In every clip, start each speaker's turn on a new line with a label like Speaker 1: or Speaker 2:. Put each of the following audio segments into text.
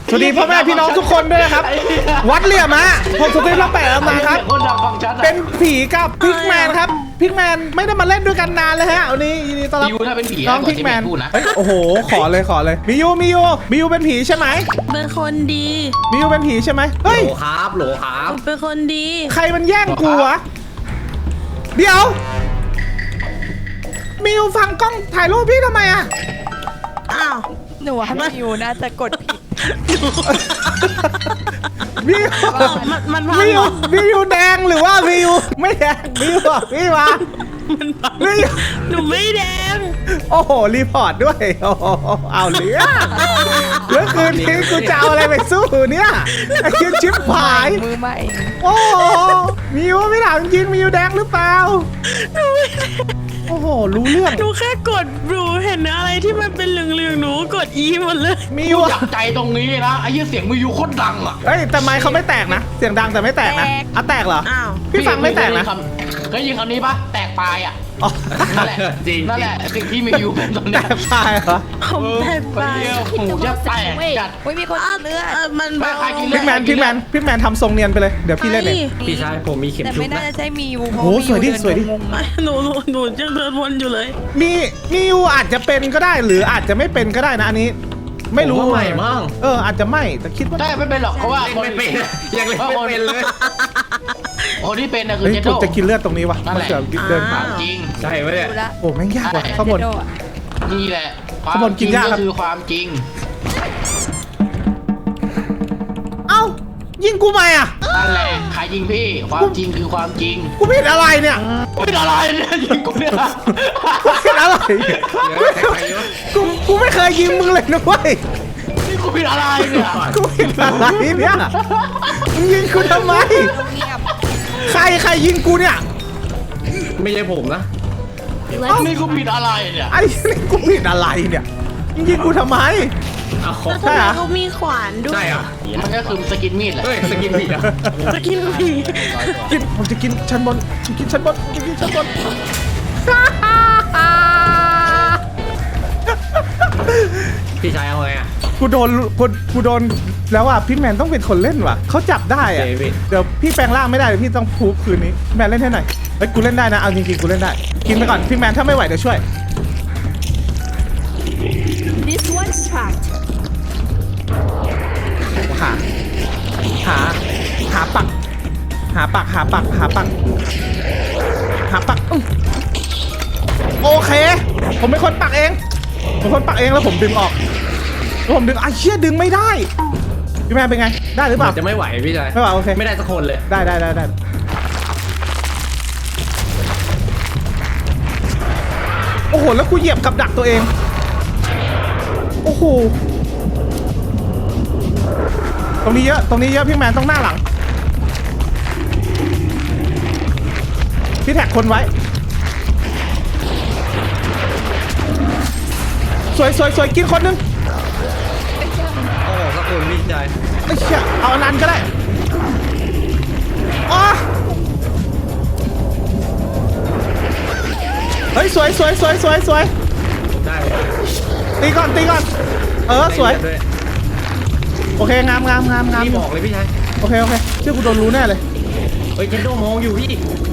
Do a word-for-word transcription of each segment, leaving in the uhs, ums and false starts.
Speaker 1: สวัสดีพ่อแม่พี่น้องทุกคนด้วยนะครับวัดเหลี่ยมฮะผมสุดที่เราแปะมาครับเป็นผีกับพิกแมนครับพิกแมนไม่ได้มาเล่นด้วยกันนานเลยฮะวันนี้ยินดีต้อนรับ
Speaker 2: มิวถ้าเป็นผี
Speaker 1: น้องพิกแมนเฮ้ยโอ้โหขอเลยขอเลยมิยูมิยูมิยูเป็นผีใช่ไหม
Speaker 3: เป็นคนดี
Speaker 1: มิยูเป็นผีใช่ไหมเฮ้ย
Speaker 4: โหลครับโหลครับ
Speaker 3: เป็นคนดี
Speaker 1: ใครมันแย่งกูวะเดี๋ยวมิวฟังกล้องถ่ายรูปพี่ทำไมอะ
Speaker 3: อ้าว
Speaker 5: หนูว่าพี่ยูน่าจะกดผิด
Speaker 1: มิว
Speaker 3: มันมันพัง
Speaker 1: มิ
Speaker 3: เห
Speaker 1: ว
Speaker 3: รอ
Speaker 1: มิวแดงหรือว่ามิวไม่แดงมิวบอกพี่มา
Speaker 3: มันพัง
Speaker 1: มิว
Speaker 3: หนูไม่แดง
Speaker 1: โอ้โหรีพอร์ตด้วยโอ้โหเอาเหลือเมื่อคืนนี้กูจะเอาอะไรไปสู้เนี่ยไอ้คิดชิปหาย
Speaker 5: มือใหม่
Speaker 1: โอ้โหมิวไม่ถามจริงมิวแดงหรือเปล่า
Speaker 3: หนูไม่แดง
Speaker 1: โอ้โหรู้เรื่อง
Speaker 3: หนูแค่กดดูเห็นอะไรที่มันเป็นเหลืองๆหนูกดอีหมดเลย
Speaker 1: มิ
Speaker 2: มิ
Speaker 1: ว
Speaker 2: ว
Speaker 1: อะ
Speaker 2: อยากใจตรงนี้นะไอ้ยี่เสียงมิวโคตรดังอ่ะ
Speaker 1: เฮ้ยแต่ไมค์เขาไม่แตกนะเสียงดังแต่ไม่แตกนะอ่ะแตกเหรอ
Speaker 3: อ้าว
Speaker 1: พี่ฟังไม่แตกนะ
Speaker 2: เคยยินคำนี้ปะแตกปลายอ่ะ
Speaker 1: อ๋อ
Speaker 2: นั่นแหละ
Speaker 4: จริง
Speaker 2: นั่นแหละสิ่งที่มิวเป็นตอน
Speaker 1: แต
Speaker 2: เนี้ย
Speaker 1: กตายเหรอ
Speaker 3: ผมแทบ
Speaker 2: ไป
Speaker 3: ตาย
Speaker 2: เดียวหูจะแตกจัด
Speaker 5: เฮ้ยมีคนเลือด
Speaker 3: เออมัน
Speaker 2: ไม่
Speaker 3: เบา
Speaker 2: ใครกิน
Speaker 1: พิกแมนพิกแมนพิกแมนทำทรงเนียนไปเลยเดี๋ยวพี่เล่นเอง
Speaker 4: พี่ชายผมมีเข็ม
Speaker 5: แต่
Speaker 4: ชุ
Speaker 5: ไม่
Speaker 4: บ
Speaker 5: น่า
Speaker 4: นะ
Speaker 5: จะใช่มียูเพราะ
Speaker 1: โอ้สวยดิ
Speaker 5: มี
Speaker 1: สวยดิ
Speaker 5: งงๆอะ
Speaker 3: หนูหนูหนูยังเดินวนอยู่เลย
Speaker 1: มีมิวอาจจะเป็นก็ได้หรืออาจจะไม่เป็นก็ได้นะอันนี้ ไม่รู้
Speaker 4: ผมว่าใหม่มั้ง
Speaker 1: เอออาจจะไม่แต่คิดว่า
Speaker 2: ใช่ไม่เป็นหรอกเพราะว่า
Speaker 4: เล่นไม่เป็นยังเล่นไม่เป็นเลย
Speaker 2: คนที่เป็นน่ะคือ
Speaker 1: เฮ้ย
Speaker 2: เจ
Speaker 1: กู
Speaker 2: โต้
Speaker 1: จะกินเลือดตรงนี้วะ
Speaker 2: นั่นแหละ
Speaker 1: เสือเดินผ่าน
Speaker 2: จริง
Speaker 4: ใช่ไหมเนี่ย
Speaker 5: ดูละ
Speaker 1: โอ้แม่งยากว่ะข้างบน
Speaker 5: เจโดอะ
Speaker 2: นี่แหละความ
Speaker 1: ข้างบนกินยากครับ
Speaker 2: ก็คือความจริง
Speaker 1: เอ้ายิงกูไหมอ่ะ
Speaker 2: นั่นแหละใครยิงพี่ความจริงคือความจริง
Speaker 1: กูผิดอะไรเนี่ย
Speaker 2: เป็นอะไรเนี่ยยิงกูเนี่ย
Speaker 1: กูผิดอะไรกูกูไม่เคยยิงมึงเลยนะเว้ย
Speaker 2: นี่กูเป็นอะไรเนี่ย
Speaker 1: กูผิดอะไรเนี่ยมึงยิงกูทำไม
Speaker 5: เงียบ
Speaker 1: ใครใครยิงกูเนี่ย
Speaker 4: ไม่ใช่ผมนะ
Speaker 2: นี่กูผิดอะไรเนี่ย
Speaker 1: ไอ้นี่กูผิดอะไรเนี่ยมึงยิงกูทำไม
Speaker 4: เอาขอ
Speaker 3: แล้วทำไมเขามีขวานด้วย
Speaker 4: ใช่เหรอ
Speaker 2: มันก็คือสกินมีดแหละ
Speaker 4: เฮ้ยสกินผิดอ่ะ
Speaker 3: จะกินผี
Speaker 1: กินผมจะกินชั้นบนผมกินชั้นบนผมจะกินชั้นบน
Speaker 4: พี่ชายเอาไงอ่ะ
Speaker 1: กูโดนกูกูโดนแล้วอ่ะพี่แมนต้องเป็นคนเล่นว่ะเขาจับได้อ่ะ
Speaker 4: โอเคพี่
Speaker 1: เดี๋ยวพี่แปลงร่างไม่ได้เดี๋ยวพี่ต้องพูฟคืนนี้แมนเล่นให้หน่อยเฮ้ยกูเล่นได้นะเอาจริงๆกูเล่นได้กินไปก่อนพี่แมนถ้าไม่ไหวเดี๋ยวช่วย
Speaker 5: This one's trapped
Speaker 1: หาหาหาปัก หาปักหาปักหาปักหาปักอื้อโอเค ผมเป็นคนปักเองผมเป็นคนปักเองแล้วผมดึงออกแล้วผมดึงไอ้เชี่ยดึงไม่ได้พี่แมนเป็นไงได้หรือเปล่า
Speaker 4: จะไม่ไหวพี่ชาย
Speaker 1: ไม่ไหวโอเค
Speaker 4: ไม่ได้สักคนเลย
Speaker 1: ได้ได้ได้ได้โอ้โหแล้วกูเหยียบกับดักตัวเองโอ้โหตรงนี้เยอะตรงนี้เยอะพี่แมนต้องหน้าหลังพี่แท็กคนไว้สวยสวยสวยกินคนนึง
Speaker 4: โอ้สักคนพี่ชาย
Speaker 1: ไอ้เชี่ยเอาอันนั้นก็ได้อ๋อเฮ้ยสวยสวยสวยสวยสวย
Speaker 4: ได้
Speaker 1: ตีก่อนตีก่อนเออสวย
Speaker 4: ได้ด้
Speaker 1: โอเคงามงามงามงาม
Speaker 4: พี่บอกเลยพี่ชาย
Speaker 1: โอเคโอเคเชื่อกูโดนรู้แน่เลย
Speaker 4: เฮ้ยเจนโดมองอยู่พี่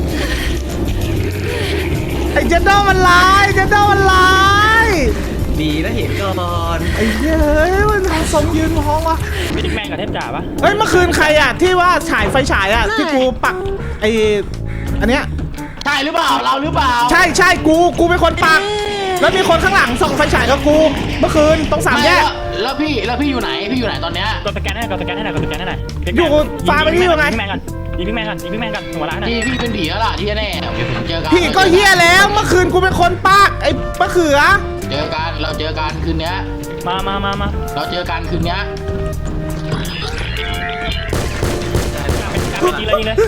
Speaker 1: ไอ้เจนโดมันลายเจนโดมันลาย
Speaker 4: ดีนะเห็นก่อน
Speaker 1: ไอ้เหี้ยเฮ้ยมันทำสมยืนมองวะ
Speaker 6: ไม่ได้แม่งกับเทพจ่าปะ
Speaker 1: เฮ้ยเมื่อคืนใครอ่ะที่ว่าฉายไฟฉายอ่ะที่กูปักไอ้อันเนี้ย
Speaker 2: ใช่หรือเปล่าเราหรือเปล่า
Speaker 1: ใช่ใช่กูกูเป็นคนปัก แล้วมีคนข้างหลังส่องไฟฉายกับกูเมื่อคืนตรงสามแยก
Speaker 2: ไแล้วแล้วพี่แล้วพี่อยู่ไหนพี่อยู่ไหนตอนเนี้ย
Speaker 6: กดสแกนให้หน่อยกดสแกนให้หน่อยกดสแกนให้หน่อย
Speaker 1: อยู่ฟ้าไปที่อยู่ไง
Speaker 6: ยิงพี่แมนก่อนยิงพี่แมนก่อนยิงพี่แมนก่อนหัวร้านน่ะ
Speaker 2: พี่พี่เป็นผีแล้วล่ะที่แน่เดี๋ยวผมเจอกัน
Speaker 1: พี่ก็เฮียแล้วเมื่อคืนกูเป็นคนปักไอ้มะเขือ
Speaker 2: เจอกันเราเจอกันคืนเนี้ย
Speaker 6: มามามามา
Speaker 2: เราเจอกันคืนเนี้ย
Speaker 6: ยิงเลยยิงเลย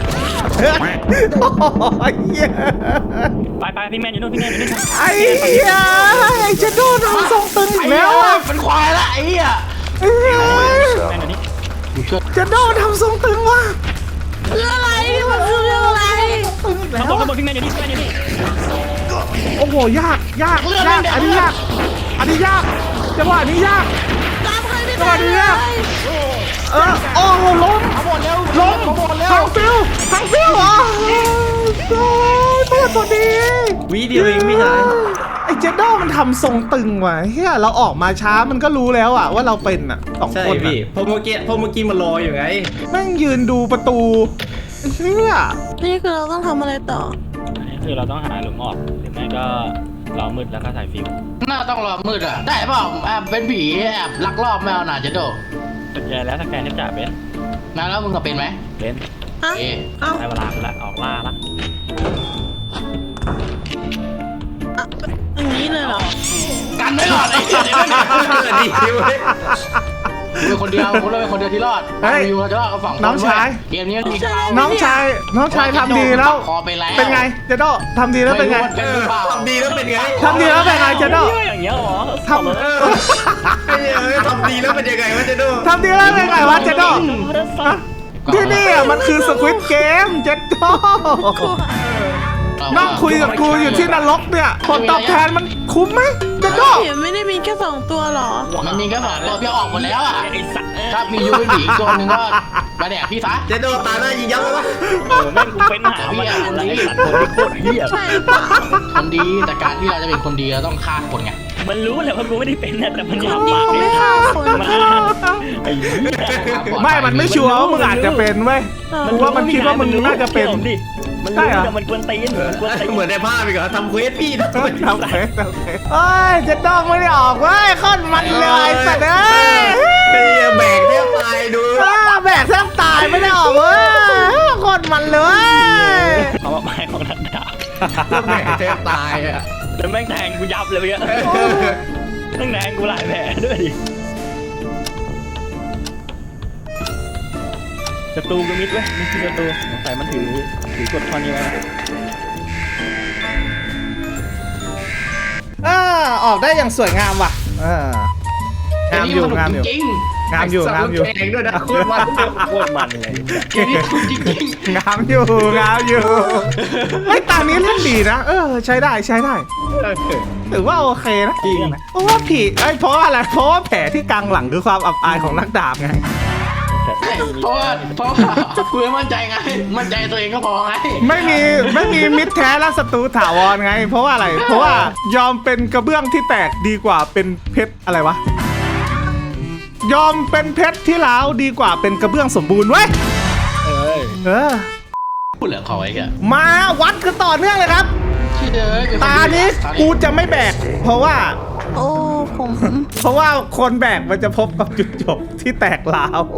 Speaker 1: โอ้ยเหี้ย
Speaker 6: ไปไปพี่แมนอยู่นู่นพี่แมนอยู่นู่น
Speaker 1: ไอ้เหี้ยไอ้เจนโดนทำทรงตึงอี
Speaker 2: ไอ้
Speaker 1: ก
Speaker 2: เหี้
Speaker 1: แล้
Speaker 2: ยว
Speaker 1: อ่ะ
Speaker 2: เป็นควายละไอ้เหี้ย
Speaker 1: ไอ้เหี้ย
Speaker 6: แมนอยู่นี่
Speaker 2: กูเชื่อ
Speaker 1: เจนโดนทำทรงตึงว่ะ
Speaker 3: เรื่องอะไรมันคือเรื่องอะไร
Speaker 1: ตึงอีกแล้
Speaker 6: ข้างบ
Speaker 1: วน
Speaker 6: ข้างบนพี่แมนอยู่นี่พี่แมนอยู่นี่
Speaker 1: โอ้โหยากยากยากอันนี้ยากอันนี้ยากจังหวะนี้ยาก
Speaker 3: ตามใครไม่
Speaker 1: จังห
Speaker 3: ได้
Speaker 1: วะนี้
Speaker 3: เลย
Speaker 1: าก
Speaker 3: ย
Speaker 1: เออโอ้โหล้ม
Speaker 2: เอาหมดเร็ว
Speaker 1: ล้ม
Speaker 2: เอาหมดเร็ว
Speaker 1: ทางฟิวทางฟิวเหรอโอ้ยโทษตัวดี
Speaker 4: วิเดียวเองพี่ชาย
Speaker 1: ไอ้เจดโดมันทำทรงตึงว่ะเฮียเราออกมาช้ามันก็รู้แล้วอะว่าเราเป็นอะสอง
Speaker 4: ใช่
Speaker 1: คน
Speaker 4: พี่
Speaker 1: อะ
Speaker 4: พอเมื่อกี้พอเมื่อกี้มารออยู่ไง
Speaker 1: แม่งยืนดูประตูไอ้เฮีย
Speaker 3: นี่คือเราต้องทำอะไรต่อ
Speaker 6: นี่คือเราต้องหาหลุมออกหรือไม่ก็รอมืดแล้วก็ใส่ฟิว
Speaker 2: น่าต้องรอมืดอ่ะได้เปล่าแอบเป็นผีแอบลักลอบแมวน่ะเจโด
Speaker 6: สุดใหญ่แล้วสแกนที่จ่าเป็น
Speaker 2: นะแล้วมึงก็เป็นไหม
Speaker 6: เป็น
Speaker 3: อ่ะ
Speaker 2: เอ๊ะ
Speaker 3: เอ้า
Speaker 6: ได้เวลากูละออกล่าละ
Speaker 3: อ่ะอย่างนี้เลยเหรอ
Speaker 2: กันไว้ก่อนไอ้เหี้ยเดี๋ยวไม่มี
Speaker 4: ดีเว้ย
Speaker 2: กูเป็นคนเดียวกูเลยเป็นคนเดียวที่รอดวิวเราจะรอดกับสองคนเว้ยเกมนี้มันมี
Speaker 1: น้องชายน้องชายทำดีแล้ว
Speaker 2: คอไปแล้ว
Speaker 1: เป็นไงเจดโดทำดีแล้วเป็นไง
Speaker 2: ม่รู้ว่าเป็นหรือเปล่า
Speaker 4: ทำดีแล้วเป็นไง
Speaker 1: ทำดีแล้วเป็นไงเจดโด
Speaker 6: เฮ้ยอย่างเงี้ยเหรอ
Speaker 1: ทำ
Speaker 4: เออไอ้เหี้ยเอ้ยทำดีแล้วเป็นยังไงวะเจโด
Speaker 1: ทำดีแล้วเป็นไงวะเจดโดฮะที่นี่อะมันคือสควิตเกมเจดโดนั่งคุยกับกูอยู่ที่นรกเนี่ยผลตอบแทนมันคุ้มไหมเจดโด
Speaker 3: เห็นไม่ได้มีแค่สองตัวเหรอ
Speaker 2: มันมีแค่สองตัวพี่ออกหมดแล้วอ่ะ
Speaker 6: ไอ้สัตว์
Speaker 2: ถ้ามียูเป็นผีอีกตัวหนึงก็มาแดกพี่ซะ
Speaker 4: เจโดตาหน้ายิงยับเลยวะ
Speaker 6: โอ้แม่งกูเป็นหามาแล้วไอ้สัตว์คนที่โคตรเหี้ย
Speaker 3: ใช่หรือเปล่า
Speaker 2: คนดีแต่การที่เราจะเป็นคนดีเราต้องฆ่าคนไง
Speaker 6: มันรู้แหละว่ากูไม่ได้เป็นนะแต่มันอยาก
Speaker 3: นี่
Speaker 6: ปาก
Speaker 3: เขาไม่ฆ่าคน
Speaker 6: มา
Speaker 3: ค่ะ
Speaker 6: ไอ้เหี้ย
Speaker 1: ไม่มันไม่ชัวร์ว่ามึงอาจจะเป็นเว้ยกูว่ามันคิดว่ามึงน่าจะเป็น
Speaker 6: ดิมัน
Speaker 1: ใช่
Speaker 6: รู้
Speaker 1: เหรอ
Speaker 6: แต่มันกวนตีนมันกวนตีน
Speaker 4: เหมือนในภาพอีกเหรอทำเควสพี่นะ
Speaker 1: ทำเฟสทำเฟสเอ้ยเจดโดไม่ได้ออกเว้ยโคตรมันเลยสัตว์เอ้ย
Speaker 4: ไอ้เหี้ยแบกเนี่ยตายดู
Speaker 1: อ้าแบกแทบตายไม่ได้ออกเว้ยโคตรมันเลย
Speaker 6: เอามาไม้ของนัดดาบ
Speaker 4: แบกแทบตายอ่ะ
Speaker 6: แล้วแม่งแทงกูยับเลยเมื่อกี้แม่งแทงกูหลายแผลด้วยดิศัตรูก็มิดเว้ยนี่คือศัตรูสงสัยมันถือถือกดท่อนนี้ไว้นะ
Speaker 1: อ่าออกได้อย่างสวยงามว่ะเอองามอยู่งามอยู่
Speaker 2: จริง
Speaker 1: งามอยู่งามอยู่
Speaker 4: เองด้วยนะโคตรมัน
Speaker 6: โคตรมันเลย
Speaker 2: ๆเกมนี้ถูกจริง
Speaker 1: งามอยู่งามอยู่ไอ้ยตานี้เล่นดีนะเออใช้ได้ใช้ได้ถือว่าโอเคนะ
Speaker 6: จริง
Speaker 1: เพราะว่าผีไอ้ยเพราะว่าอะไรเพราะว่าแผลที่กลางหลังคือความอับอายของนักดาบไง
Speaker 2: ๆเพราะว่าเพราะว่ากูไม่มั่นใจไง มั่นใจตัวเองก็พอไง
Speaker 1: ไม่มีไม่มีมิตรแท้และศัตรูถาวรไง เพราะว่าอะไร เพราะว่ายอมเป็นกระเบื้องที่แตกดีกว่าเป็นเพชรอะไรวะยอมเป็นเพชรที่ร้าวดีกว่าเป็นกระเบื้องสมบูรณ์เว้ย
Speaker 6: เอ้ย
Speaker 1: เออ
Speaker 2: พูดเหลือเขาไว้แก
Speaker 1: มาวัดกันต่อเนื่องเลยครับ
Speaker 2: ที่เด้อ
Speaker 1: ตานี้กูจะไม่แบก เพราะว่า
Speaker 3: โอ้ผม
Speaker 1: เพราะว่าคนแบกมันจะพบกับจุดจบที่แตกร้าว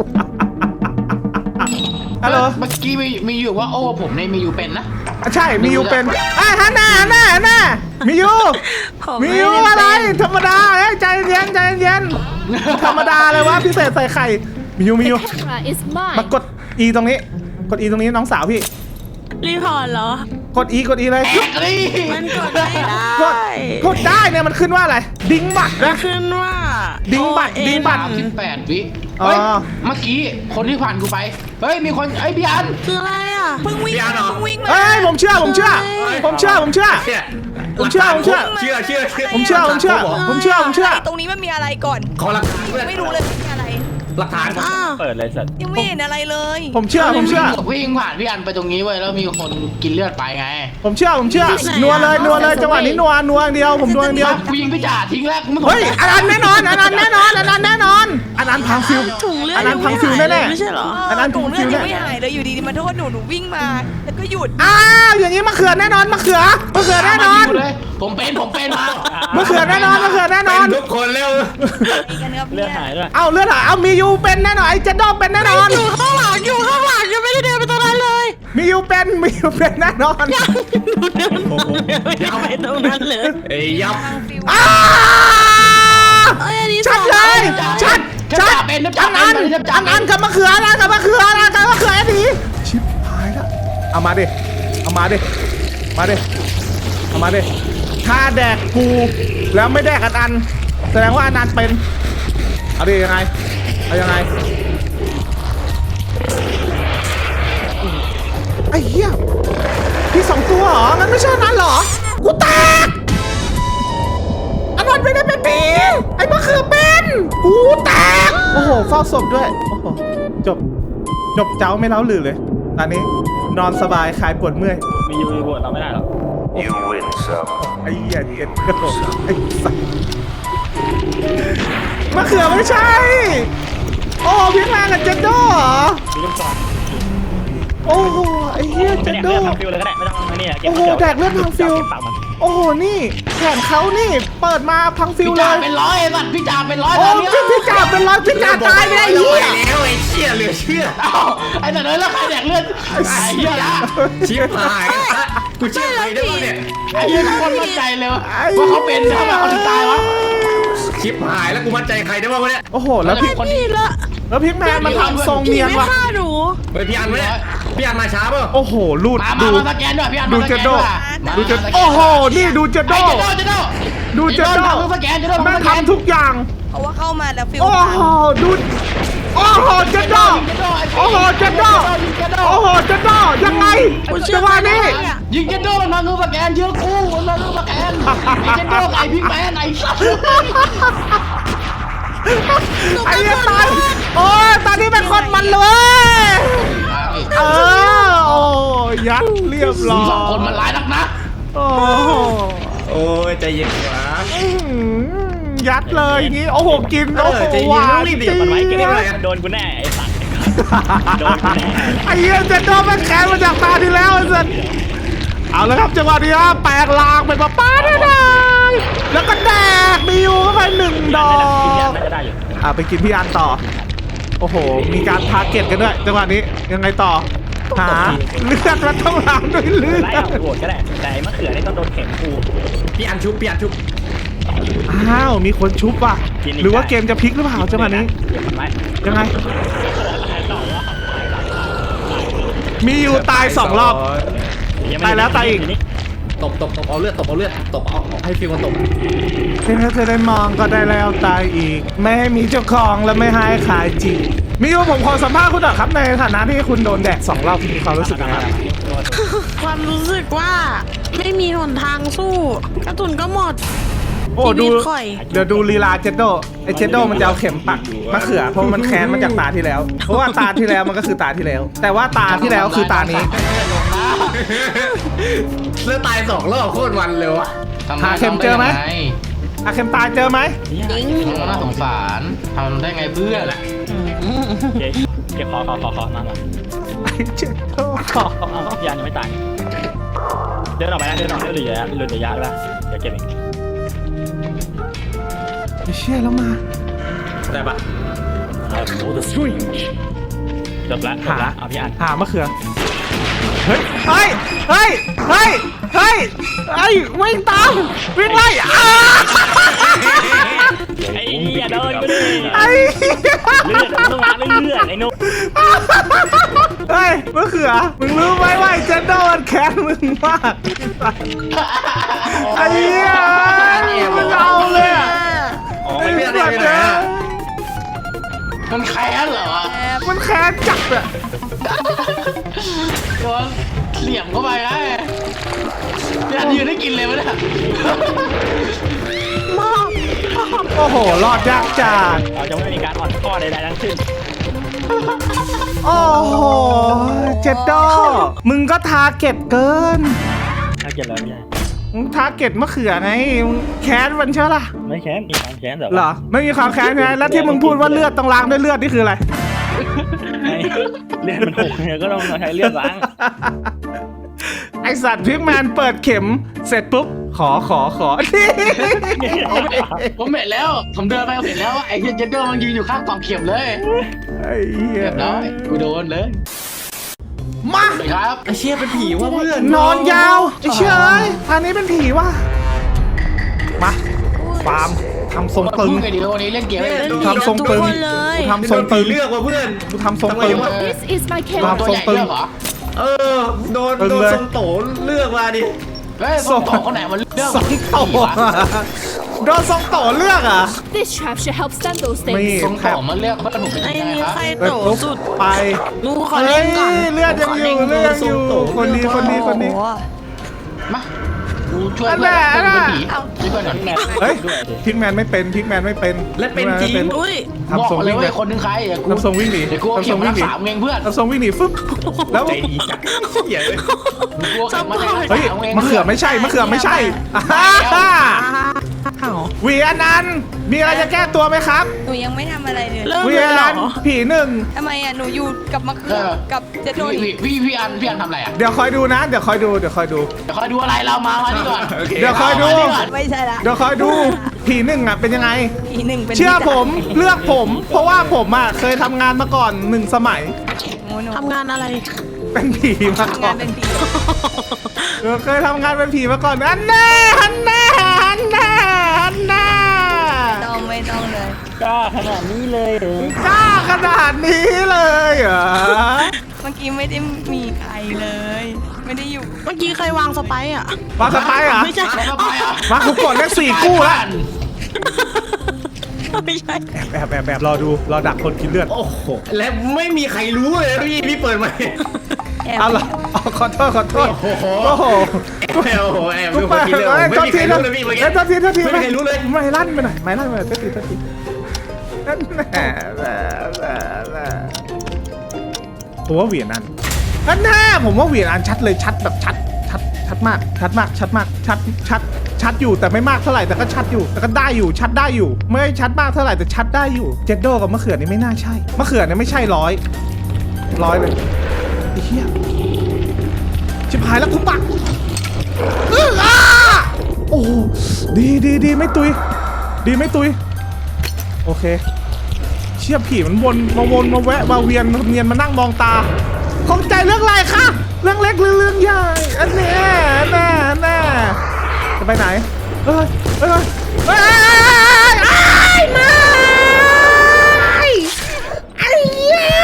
Speaker 1: ฮัลโหล
Speaker 2: เมื่อกี้มีมีอยู่ว่าโอ้ผมในมีอยู่เป็นนะ
Speaker 1: อ่ะใช่มียูเป็นอ่ะฮันน่าฮันน่าฮันน่ามียู
Speaker 3: ผม
Speaker 1: มี
Speaker 3: ไม่
Speaker 1: ยู
Speaker 3: ได้
Speaker 1: อะไร
Speaker 3: เป็น
Speaker 1: ธรรมดาเอ้ยใจเย็นใจเย็นธรรมดาเลยวะพิเศษใส่ไข่มียูมียู
Speaker 5: camera is mine
Speaker 1: มากด E ตรงนี้ กด E ตรงนี้น้องสาวพี่
Speaker 3: รีพอร์ตเหรอ
Speaker 1: กด E กด E เลย
Speaker 2: แอกลี่
Speaker 3: มันกดไม่ได้
Speaker 1: กดกดได้เนี่ยมันขึ้นว่าอะไร ดิ้งบัตร
Speaker 3: มัน
Speaker 1: นะ
Speaker 3: ขึ้นว่า
Speaker 1: ดิ้งบัตร
Speaker 3: โอเอ็น
Speaker 1: ดิ้งบัตร
Speaker 2: สามสิบแปดวิ
Speaker 1: อ๋อ
Speaker 2: เฮ้ยเมื่อกี้คนที่ผ่านกูไปเฮ้ยมีคนไอ้ยพี่อัน
Speaker 3: คืออะไรอ่ะเพิ่งวิ่ง
Speaker 4: พี่อาร์ตเหรอ
Speaker 3: เพิ่งวิ่งมา
Speaker 1: เอ้ยผมเชื่อผมเชื่อ ผมเชื่อผมเชื่อ
Speaker 4: เนี่ย
Speaker 1: ผมเชื่อผมเชื่อ
Speaker 4: เชื่อเชื่อเชื่อ
Speaker 1: ผมเชื่อผมเชื่อผมเชื่อผมเชื่อ
Speaker 5: ตรงนี้มันมีอะไรก่อน
Speaker 4: ขอหลักฐานด้วย
Speaker 5: ไม่รู้เลยมันมีอะไร
Speaker 4: หลักฐาน
Speaker 3: อ้าว
Speaker 6: เปิดเลยสัตว์
Speaker 5: ยังไม่เห็นอะไรเลย
Speaker 1: ผมเชื่อผมเชื่อ
Speaker 2: วิ่งผ่านพี่อันไปตรงนี้เว้ยแล้วมีคนกินเลือดไปไง
Speaker 1: ผมเชื่อผมเชื่อนัวเลยนัวเลยจังหวะนี้นัวนัวอย่างเดียวผมนัวอย่างเดียว
Speaker 2: กูยิงพี่จ่าทิ้งแล้วกูไม่สน
Speaker 1: เฮ้ย
Speaker 2: ใจ
Speaker 1: อันนั้นแน่นอนอันนั้นแน่นอนอันนั้นแน่นอนอันนั้นพังฟิว
Speaker 3: ถุงเลือด
Speaker 1: อันนั้น
Speaker 3: ยัง
Speaker 1: พังฟิว
Speaker 3: ไม่หาย
Speaker 1: แน่
Speaker 3: เลยไม่ใช่เหรอ
Speaker 1: อันนั้น
Speaker 5: ถุงเลือด
Speaker 1: ฟิว
Speaker 5: ยัง
Speaker 1: แน่
Speaker 5: ไม่หายเลยอยู่ดีๆมาโทษหนูหนูวิ่งมา แล้วก็หยุด
Speaker 1: อ้าวอย่างนี้มะเขือแน่นอนมะเขือมะเขือแน่นอน
Speaker 2: มาเลยผมเป็นผมเป็นมาม
Speaker 1: ะเขือแน่นอนมะเขือแน่น
Speaker 4: เป็
Speaker 1: อน น
Speaker 4: ทุกคนเร็ว
Speaker 5: มีกันครับ
Speaker 6: เลือด
Speaker 5: เนี่ย
Speaker 6: หายด้วย
Speaker 1: เอาเลือดหายเอามียูเป็นแน่นอนไอ้เจดดอมเป็นแน่นอน
Speaker 3: อยู่ข้างหลังอยู่ข้างหลังยังไม่ได้เดินไปตรงนั้นเลย
Speaker 1: มียูเป็นมียูเป็นแน่นอน
Speaker 3: หนูเดินไม่ได้ไปตรงนั้นเลย
Speaker 4: เอ้ยยับ
Speaker 5: ทางฟิว
Speaker 1: อ้า
Speaker 3: เอ้ยอันนี้
Speaker 1: ชัดเลยชัดชัด
Speaker 2: เป็นน้ำ
Speaker 1: อั
Speaker 2: จ่าน
Speaker 1: นั้น
Speaker 2: เป็นน้ำจ่า
Speaker 1: อันนั้นกับมะเขือนะกับมะเขือนะกับมะเขือไอ้ดีชิบหายแล้วเอามาดิเอามาดิมาดิเอามาดิถ้าแดกกูแล้วไม่แดกอันอันแสดงว่าอันนั้นเป็นเอาดิยังไงเอายังไงไอ้เหี้ยพี่สองตัวเหรอมันไม่ใช่อันนั้นเหรอกูแตกอันนั้นไม่ได้เป็นผีไอ้มะเขือเป็นหูแตกโอ้โหเฝ้าศพด้วยโอ้โหจบจบเจ้าไม่เล้าหลือเลยตอนนี้นอนสบายคลายปวดเมื่อย
Speaker 6: มียูมีบวชเราไม่ได้หรอก
Speaker 7: You win some.
Speaker 1: ไอ้เหี้ยเจ็ดกระโดดไอ้สัสมะเขือไม่ใช่โอ้พี่แมนกับเจนโดเหรอ
Speaker 6: มีลูกศร
Speaker 1: โอ้โหไอ้เหี้ยเจ
Speaker 6: ไม่
Speaker 1: น
Speaker 6: แดก
Speaker 1: โด
Speaker 6: เลือดทำฟิวเลยก็ได้ไม่ต้องมาเนี่ยเก็บ
Speaker 1: โอ้โหแดกเลือดทางฟิว
Speaker 6: เก็บปากมัน
Speaker 1: โอ้โหนี่แขนเขานี่เปิดมาพังฟิว
Speaker 2: พี่
Speaker 1: เล
Speaker 2: จ่าย เป็นร้อยไอ้สัตว์พี่จ่าเป็นร้อย
Speaker 1: โอ้
Speaker 2: ตอนเนี้ย
Speaker 1: พี่พี่จ่าเป็นร้อยพี่จ่าตายไม่ได้
Speaker 4: เล
Speaker 1: เหี้
Speaker 4: ย
Speaker 1: ย
Speaker 4: แล้วไอ้เชี่ยเหลือเชื่อ
Speaker 2: เอ้าไอ้สัตว์เลยแล้วใครแดกเลือดไอ้เหี้ยละ
Speaker 4: ชิบหายกูเชื่อใครได้บ้างเนี่ย
Speaker 2: ไอ้เหี้ยทุกคนมั่นใจเลยว่าเขาเป็นทำไมเขาถึงตายวะ
Speaker 4: ชิบหายแล้วกูมั่นใจใครได้บ้างวะเนี่ย
Speaker 1: โอ้โหแล้วพี่
Speaker 2: คน
Speaker 3: นี่ละ
Speaker 1: แล้วพี่แมนมันทำทรงเนียน
Speaker 3: ไม่
Speaker 1: ว่ะ
Speaker 3: ฆ่าหนู
Speaker 4: เฮ้ยพี่อันวะเนี่ยพี่อันมาช้าเปล่า
Speaker 1: โอ้โหลูด
Speaker 2: มา
Speaker 1: ดู
Speaker 2: มามาสแกนด้วยพี่อัน
Speaker 1: ดู
Speaker 2: มาส
Speaker 1: เจ
Speaker 2: แก
Speaker 1: น
Speaker 2: น
Speaker 1: โด
Speaker 2: ด้วย
Speaker 1: ดูเจนโอ้โหนี่ดูเจนโด
Speaker 2: ไอ้เจนโดเจนโด
Speaker 1: ดูเจนโด
Speaker 2: ทำสแกนเจนโด
Speaker 1: แม่ง
Speaker 2: ทำสแกน
Speaker 1: ทำทุกอย่าง
Speaker 5: เพราะว่าเข้ามาแล้วฟิว
Speaker 1: โอ้โหดูโอ้โหเจนโดโอ้โหเจนโดโอ้โหเจนโดยังไงจังหวะนี้
Speaker 2: ยิงเจนโดมันทำคือสแกนเชื่อกูมันทำคือสแกนไอ้เจนโดไอ้พิกแมนไอ้สัตว์
Speaker 1: ไอ้เหี้ยตายโอ้ยตอนนี้เป็นคนมันเลยเออโอ้ยัดเรียบร้อย
Speaker 2: สองคนมันร้ายนักนะ
Speaker 1: โอ้โห
Speaker 4: โอ้ยใจเย็นวะ
Speaker 1: อื้อหือยัดเลยอย่างงี้โอ้โหกิน
Speaker 4: เอ
Speaker 1: โอ้
Speaker 4: อ
Speaker 1: โห
Speaker 4: ใจเย็น
Speaker 1: หวาน
Speaker 4: รีบดิ
Speaker 1: จี๊
Speaker 6: มันไว้เก็บ
Speaker 1: ด
Speaker 6: ไว้โดนกูแน่ไอ้สัตว์โดนกูแน่
Speaker 1: ไอ้เหี้ยเจนโดมันแค้นมาจากตาที่แล้วไอ้สัสเอาละครับจังหวะนี้ครับแปลกลางเป็นป้าป้าได้ได้แล้วก็แดกบิวเข้าไปหนึ่งดอก
Speaker 6: น่าจะได้อยู่
Speaker 1: อ่ะไปกินพี่อันต่อโอ้โหมีการทาร์เก็ตกันด้วยจังหวะนี้ยังไงต่อหาเลือดมันต้องล้างด้วยเลือ
Speaker 6: ไล่
Speaker 1: ด
Speaker 6: เอาโหวตก็ได้แต่ไอ้มะเขือนี่ต้องโดนเข็มกู
Speaker 4: พี่อันชุบพี่อันชุบ
Speaker 1: อ้าวมีคนชุบว่ะหรือว่าเกมจะพลิกหรือเปล่าจังหวะนี้
Speaker 6: เก็บมันไว้
Speaker 1: ยังไงมีอยู่ตายสองรอบ ตายแล้วตายอีก
Speaker 4: ตบตบตบเอาเลือดตบเอาเลือดตบเอาเอาให้ฟิวมันตบ
Speaker 1: เพื่อจะได้มองก็ได้แล้วตายอีก ไม่ให้มีเจ้าของและไม่ให้ขายจริงมีอยู่ผมขอสัมภาษณ์คุณหน่อยครับในฐานะที่คุณโดนแดกสองรอบมีความรู้สึกยังไงครับ
Speaker 3: ความรู้สึกว่าไม่มีหนทางสู้กระตุนก็หมด
Speaker 1: โอ้ดู
Speaker 3: ชีวิตข่อย
Speaker 1: เดี๋ยวดูลีลาเจนโดไอเจนโดมันจะเอาเข็มปักมะเขือเพราะมันแค้นมาจากตาที่แล้ว เพราะว่าตาที่แล้วมันก็คือตาที่แล้ว แต่ว่าตาที่แล้วคือตานี้
Speaker 4: เลือดตายสองรอบโคตรวันเลยวะ
Speaker 1: หาเข็มเจอไหม อะเข็มตาเจอไหม
Speaker 2: น่าสงสารทำได้ไงเพื่อน
Speaker 6: เก็บเก็บคอคอคอคอมามา
Speaker 1: ไอเจนโด
Speaker 6: เอายานยังไม่ตายเดินออกไปนะเดินออกเดินเหลือเหลือระยะได้เดี๋ยวเก็บเอง
Speaker 1: ไอเชี่ยแล้วมา
Speaker 4: ได้ปะ
Speaker 6: จบแล้วจบแล้วเอาพี่อัน
Speaker 1: หามะเขือเฮ้ยเฮ้ยเฮ้ยเฮ้ยเฮ้ยเฮ้ยวิ่งตามวิ่งไล่อ้า
Speaker 6: ไอ้เหี้ยโดนกูดิ
Speaker 1: ไอ้
Speaker 6: เลือดต้องล้างด้วยเลือดไอ้นุ๊ก
Speaker 1: เฮ้ยมะเขือมึงรู้ไหมว่าไอ้เจนโดมันแค้นมึงมากไอ้เหี้ยมันเอาเลยอะ
Speaker 4: อ๋อ
Speaker 1: ไอ้
Speaker 4: ไม่
Speaker 1: เหี้
Speaker 4: ได้
Speaker 1: ย
Speaker 4: ไม่ได้
Speaker 2: มันแค้นเหรอ
Speaker 1: มันแค้นจัดอะ
Speaker 2: โดนเหลี่ยมเข้าไปไงพี่อันยืนได้กินเลยวะเนี่ย
Speaker 1: โอ้โหรอดยากจัด
Speaker 6: เราจะไม่มีการอ่อนข้อใดๆทั้งสิ้น
Speaker 1: โอ้โหเจนโดมึงก็ทาร์เก็ตเกิน
Speaker 6: ถ้าเกิดแล้วไม่ใช่
Speaker 1: มึงทาร์เก็ตมะเขือไงมึงแค้นมันใช่ล่ะ
Speaker 6: ไม่แค้นมีความแค้นแต่
Speaker 1: เหรอไม่มีความแค้นไงแล้วที่มึงพูดว่าเลือดต้องล้างด้วยเลือดนี่คืออะไร
Speaker 6: เลือดมันหกเนี่ยก็ต้องใช้เลือดล้าง
Speaker 1: ไอสัตว์พิกแมนเปิดเข็มเสร็จปุ๊บขอขอขอ
Speaker 2: ผมเห็นแล้ว ผมเดินไปผมเห็นแล้วว่าไอ้เจนเดอร์มันยืนอยู่ข้างกล่องเข็มเลย
Speaker 1: ไอ้เหี้ย
Speaker 2: เรียบร้อยกูโดนเลย
Speaker 1: มา
Speaker 2: สวัสดีครับ
Speaker 4: ไอเชี่ยเป็นผีว่ะเพื่อน
Speaker 1: นอนยาวไอ้เชื่อเอ้ยอันนี้เป็นผีว่ะมาฟาร์มทำทรงตึง
Speaker 2: พูดกันดีวันนี้เล่นเกม
Speaker 1: กูทำทรงตึง
Speaker 3: ทุกคนเลย
Speaker 1: กูทำทรงตึง
Speaker 4: เลือกว่ะเพื่อน
Speaker 1: กูทำทรงตึง
Speaker 8: This is my
Speaker 1: ครั
Speaker 8: camera.
Speaker 1: บ
Speaker 2: ตัวใหญ่เลือกเหรอ
Speaker 4: เออโดน
Speaker 1: ตึง
Speaker 4: โดน
Speaker 1: เลย
Speaker 4: ทรงโตเลือกมาดิ
Speaker 2: เฮ้ยส่งต่อคนไหนมันเลือก
Speaker 1: ทรงโตโดนทรงโตเลือกอ่ะ
Speaker 8: This trap should help stun those
Speaker 1: มี
Speaker 8: things.
Speaker 2: ส่งต่อมันเลือกเพื่อนผมเป็น
Speaker 3: ไอ้
Speaker 2: ยังไง
Speaker 3: นี่
Speaker 2: ครับ
Speaker 3: ใคร
Speaker 1: เปิด
Speaker 3: โต
Speaker 1: ปุ๊บ
Speaker 3: สุด
Speaker 1: ไป
Speaker 3: หนูขอ
Speaker 1: เฮ้
Speaker 3: เล่
Speaker 1: ย
Speaker 3: นก่อน
Speaker 1: เลือดยังอยู่เลือดยังอยู่คนดีคนดีคนดี
Speaker 5: โอ้โห
Speaker 2: มากูช่วยเพื่อนเพื่อนเป็นผี
Speaker 5: เอ้า
Speaker 2: ช่วยเพื่อนหน่อย
Speaker 6: แม่
Speaker 1: เฮ้ย
Speaker 6: ด้วยดิ
Speaker 1: พิกแมนไม่เป็นพิกแมนไม่เป็น
Speaker 4: และเป็นจริง
Speaker 1: พิกแมนไม่
Speaker 3: อุ้ย
Speaker 1: ทำทรง
Speaker 2: บอกเลย
Speaker 1: วิ่งหนี
Speaker 2: ว่าคนหนึงใครอ่ะกู
Speaker 1: ทำทรงวิ่งหนี
Speaker 2: เดี๋ยวกูเอา
Speaker 1: ทำท
Speaker 2: เข็
Speaker 1: ร
Speaker 2: ม
Speaker 1: ง
Speaker 2: มา
Speaker 1: วิ่งหนี
Speaker 2: รักษาเองเพื่อน
Speaker 1: ทำทรงวิ่งหนีฟึ๊บแล้ว
Speaker 4: ใจดีจังเหี้ยเลย
Speaker 2: กูเอาเข็มมารักษา
Speaker 1: เฮ้ย
Speaker 2: เอง
Speaker 1: มะเขือไม่ใช่มะเขือไม่ใช่อ่าฮ่า
Speaker 3: อ้าว
Speaker 1: เวียนันท์มีอะไรจะแก้ตัวไหมครับ
Speaker 5: หนูยังไม่ทำอะไรเลย
Speaker 3: เริ่ม
Speaker 1: เวี
Speaker 3: เลย ยเหร
Speaker 1: นั
Speaker 3: อน
Speaker 1: ท์ผีหนึ่ง
Speaker 5: ทำไมอ่ะหนูอยู่กับมะเขือกับเจโด
Speaker 2: พี่
Speaker 5: นี่
Speaker 2: พี่พี่อันพี่อันทำอะไรอ่ะ
Speaker 1: เดี๋ยวคอยดูนะ เดี๋ยวคอยดูเดี๋ยวคอยดู
Speaker 2: เดี๋ยวคอยดูอะไรเรามามานี่ก่อน
Speaker 4: โอเค
Speaker 1: เดี๋ยวคอยดู
Speaker 2: มานี่ก่อน
Speaker 5: ไม่ใช่ละ
Speaker 1: เดี๋ยวคอยดูผีหนึ่งอ่ะเป็นยังไง
Speaker 5: อีหนึ่งเป็น
Speaker 1: เชื่อผมเลือกผม เพราะว่าผมอ่ะเคยทำงานมาก่อนหนึ่งสมัย
Speaker 5: โอ้หนู
Speaker 3: ทำงานอะไร
Speaker 1: เป็นผีมา
Speaker 5: ทำ
Speaker 1: ก่
Speaker 5: งา
Speaker 1: อน น
Speaker 5: เป็นผี
Speaker 1: เออเคยทำงานเป็นผีมาก่อนอันแน่อันแน่อันแน่อันแน่
Speaker 5: ต้องไม่ต้องเลย
Speaker 6: กล้าขนาดนี้เลยเหรอก
Speaker 1: ล้าขนาดนี้เลยเหรอ
Speaker 5: เมื่อกี้ไม่ได้มีใครเลย ไม่ได้อยู่
Speaker 3: เมื่อกี้ใครวางสไปร์อ่ะ
Speaker 1: มาสไปร์เหรอ
Speaker 3: ไม่ใช่
Speaker 2: แล้วก็ไปอ่ะ
Speaker 1: มาคุกกดเลขสี่กู้แล้ว
Speaker 3: ไม่ใช่
Speaker 1: แอบแอบแอบแอบรอดูรอดักคนกินเลือด
Speaker 4: โอ้โหและไม่มีใครรู้เลยพี่พี่เปิดไหม
Speaker 5: แอบ
Speaker 1: เอาเหรอเอาขอโทษขอโทษ
Speaker 4: โอ้โห
Speaker 1: โอ้โห
Speaker 4: โอ้โหแอบ
Speaker 1: กู
Speaker 4: ดู
Speaker 1: ไป
Speaker 4: คนกินเลย
Speaker 1: เอ้ย
Speaker 4: ไม่
Speaker 1: โทษ
Speaker 4: มีใค
Speaker 1: ที
Speaker 4: ร
Speaker 1: โท
Speaker 4: รู้
Speaker 1: ษ
Speaker 4: เลยพี่เมื่อ
Speaker 1: เอ้
Speaker 4: กี้
Speaker 1: ยโทษทีโทษที
Speaker 4: ไม่มีใครรู้เลย
Speaker 1: ไม่ลั่นไปหน่อยไม่ลั่นไปหน่อยโทษทีโทษทีนั่นแหละแหละแหละแหละผมว่าเหวียนอันนั่นแน่ผมว่าเหวียนอันชัดเลยชัดแบบชัดชัดชัดมากชัดมากชัดมากชัดชัดชัดอยู่แต่ไม่มากเท่าไหร่แต่ก็ชัดอยู่แต่ก็ได้อยู่ชัดได้อยู่ ไม่ชัดมากเท่าไหร่แต่ชัดได้อยู่เจดโดกับมะเขือนี่ไม่น่าใช่มะเขือเนี่ยไม่ใช่ร้อยร้อยเลยไอ้เหี้ยชิบหายแล้วกูปักอื้ออ้าโอ้โหดีดีดีไม่ตุย ดีไม่ตุย โอเค เชี่ยผีมันวนมาวนมาแวะมาเวียนเนียนมานั่งมองตาข้องใจเรื่องอะไรคะเรื่องเล็กหรือเรื่องใหญ่อันแน่แน่แน่จะไปไหนเอ้ยเอ้ยเอ้ยเอ้ยไม่ไอ้เหี้ย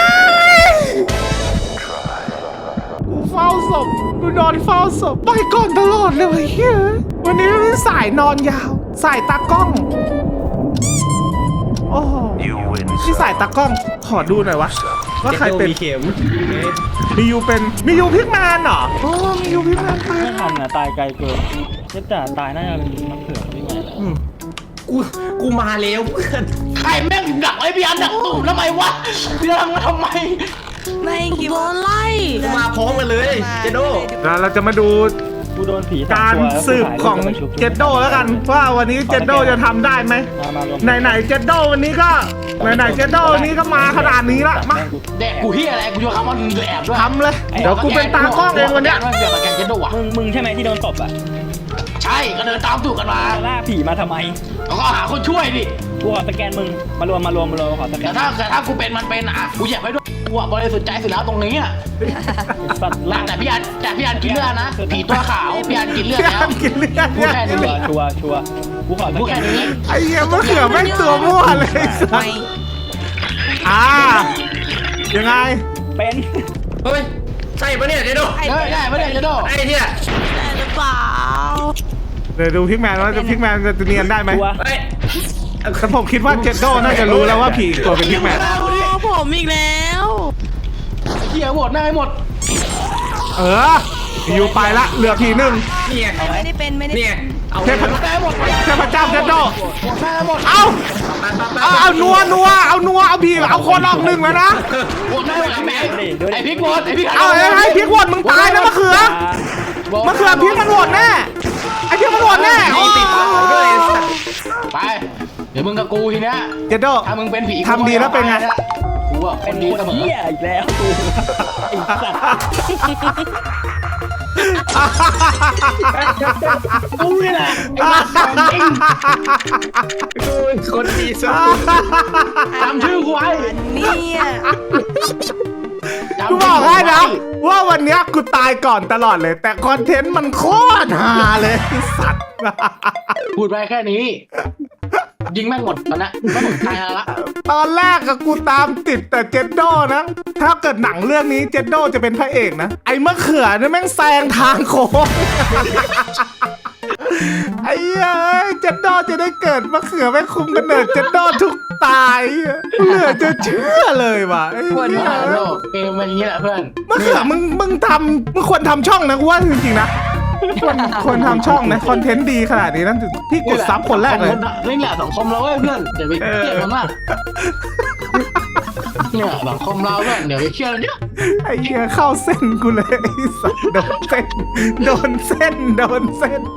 Speaker 1: กูเฝ้าศพกูนอนเฝ้าศพไปก่อนตลอดเลยเว้ยเฮ้ยวันนี้สายนอนยาวสายตากล้อง โอ้โหที่สายตากล้องขอดูหน่อยวะว่าใครเป็น
Speaker 4: มีเข็ม
Speaker 1: มียูเป็นมียูพิกแมนเหรอโอ้มียูพิกแมนไป
Speaker 6: ไม่ทำนะตายไกลเกินเจ๊จ๋าตายน่าจะเป็นมะเขือพี่ไงแหละ
Speaker 1: อืม
Speaker 4: กูกูมาแล้วเพื่อน
Speaker 2: ใครแม่งดักไอ้พี่อันดักตุ่มทำไมวะเรื่องมาทำไม
Speaker 5: ไม่คิด
Speaker 3: โด
Speaker 5: ว่าน
Speaker 3: ไล่
Speaker 4: กูมาพร้อมกันเลยเจโด
Speaker 1: แล้วเราจะมาดู
Speaker 6: กูโดนผี
Speaker 1: การสืบของเจดโดแล้วกันว่าวันนี้เจดโดจะทำได้ไหม
Speaker 6: มามารวม
Speaker 1: ไหนไหนๆเจดโดวันนี้ก็ไหนไหนๆเจดโดวันนี้ก็มาขนาดนี้ละมา
Speaker 2: แดกกูเฮียอะไรกูจะคำว่ามึงจะแอบด้วย
Speaker 1: ทำเลยเดี๋ยวกูเป็นตากล้องเองวันเนี้ย
Speaker 2: เดี๋ยวตะแกรงเจนโดอ่ะ
Speaker 6: มึงมึงใช่ไหมที่โดนตบอ่ะ
Speaker 2: ใช่ก็เดินตามตูดกันมา
Speaker 6: จะล่าผีมาทำไม
Speaker 2: แล้วก็หาคนช่วยดิ
Speaker 6: กูขอสแกนมึงมารวมมารวมมารวมขอสแก
Speaker 2: แต่
Speaker 6: น
Speaker 2: ถ้าแต่ถ้ากูเป็นมันเป็นอ่ะกูเหยียบไว้ด้วยกูอ่ะบริสุทธิ์ใจสุดแล้วตรงนี้อ่ะ
Speaker 6: สัตว์ล่า
Speaker 2: แต่พี่อันแต่พี่อันกินเลือดนะผีตัวขาวพี่อันกินเลือดแล้ว
Speaker 1: กินเลือด
Speaker 2: พูดแค่นี้
Speaker 6: ชัวร์ชัวร์ชัวร์กูขอส
Speaker 2: พูด
Speaker 6: แก
Speaker 2: แค่
Speaker 6: น
Speaker 2: นี้
Speaker 1: ไอ้เหี้ยมะเขือแม่งตัวมั่วเลยไอ้สัส
Speaker 5: ไม่
Speaker 1: อ่ายังไง
Speaker 6: เป็น
Speaker 4: เฮ้ยใช่ปะเนี่ยเจโด
Speaker 2: ได้ได้ไม่ได้เจนโด
Speaker 4: ไอ้เนี่ย
Speaker 3: แต่หรือเปล่า
Speaker 1: เดี๋ยวดูพิกแมนว่าจะพิกแมนจะเนียนได้ไหม
Speaker 6: ชัวร์
Speaker 4: เฮ้ย
Speaker 1: แต่ผมคิดว่าเจดโดน่าจะรู้แล้วว่าผีตัวเป็นพิกแมน
Speaker 3: โอ้ผมอีกแล้ว
Speaker 2: ไอ้เหี้ยหมดหน้าให้หมด
Speaker 1: เอออยู่ไปละเหลือผีหนึ่ง
Speaker 4: เนี่ย
Speaker 5: ไม่ได้เป็นไม่ได้
Speaker 4: เนี่ยเอา
Speaker 1: เทพ
Speaker 2: หมดหน้าให้หมด
Speaker 1: เทพเจ้าเจดโด
Speaker 2: หมดหน้าให้หมด
Speaker 1: เอาเอาเอานัวนัวเอานัวเอาผีเอาคนออกหนึ่งแล้วนะ
Speaker 2: หมดหน้าให้หมดไอ้แม่ไอ้พริกหมดไอ้พริก
Speaker 1: เอาไอ้ไอ้พริกโหวตมึงตายนะมะเขือมะเขือพริกมันโหวตแน่ไอ้พริกมันโหวตแน่
Speaker 4: มีติดเขาด้วยไอ้สัตว์
Speaker 2: ไปเดี๋ยวมึงกับกูทีเนี้ย
Speaker 1: เจดโด
Speaker 2: ถ้ามึงเป็นผี
Speaker 1: ทำดีแล้วเป็นไง
Speaker 2: กูอ่ะค
Speaker 6: เป็น น
Speaker 2: ดี
Speaker 6: คน
Speaker 2: เสมอ
Speaker 6: เหี้ยอีกแล้วกูไอ้สัตว์
Speaker 2: กูนี่แหละไอ้บ้าจริง
Speaker 4: กูเป็นคนดีสุด
Speaker 2: จำชื่อกูไว้
Speaker 5: เนี่ย
Speaker 2: จำ
Speaker 1: กู
Speaker 2: ชื่
Speaker 1: บอกให้นะ
Speaker 2: ไว้
Speaker 1: ว่าวันเนี้ยกูตายก่อนตลอดเลย แต่คอนเทนต์มันโคตรฮาเลยไอ้สัตว์
Speaker 2: พูดไปแค่นี้ ยิงแม่งหมดตอนนั้นไม่หมดตายแล้วละ
Speaker 1: ตอนแรกกับกูตามติดแต่เจดโดนะ ถ้าเกิดหนังเรื่องนี้เจดโดจะเป็นพระเอกนะ ไอ้มะเขือเนี่ยแม่งแซงทางโค้ง ไอ้เอ้ยเจดโดจะได้เกิดมะเขือไม่คุมกำเนิดเจดโดทุกตายเหลือจะเชื่อเลยว่ะไอ้
Speaker 2: ปวด
Speaker 1: เหี้
Speaker 2: หัวย โลกเกมมันอย่างนี้แหละเพื่อน
Speaker 1: มะเขือมึงมึงทำมึงควรทำช่องนะกูว่าจริงๆนะควรควรทำช่องนะคอนเทนต์ดีขนาดนี้นั่นพี่กดซับคนแรกเลย
Speaker 2: นี่แหละสังคมเราเว้ยเพื่อนเดี๋ยวไปเครียดมันมากเนี่ยสังคมเราเพื่อนเดี๋ยวไปเครียดมันเยอะ
Speaker 1: ไอ้เหี้ยเข้าเส้นกูเลยไอ้สัสโดนเส้นโดนเส้นโดนเส้น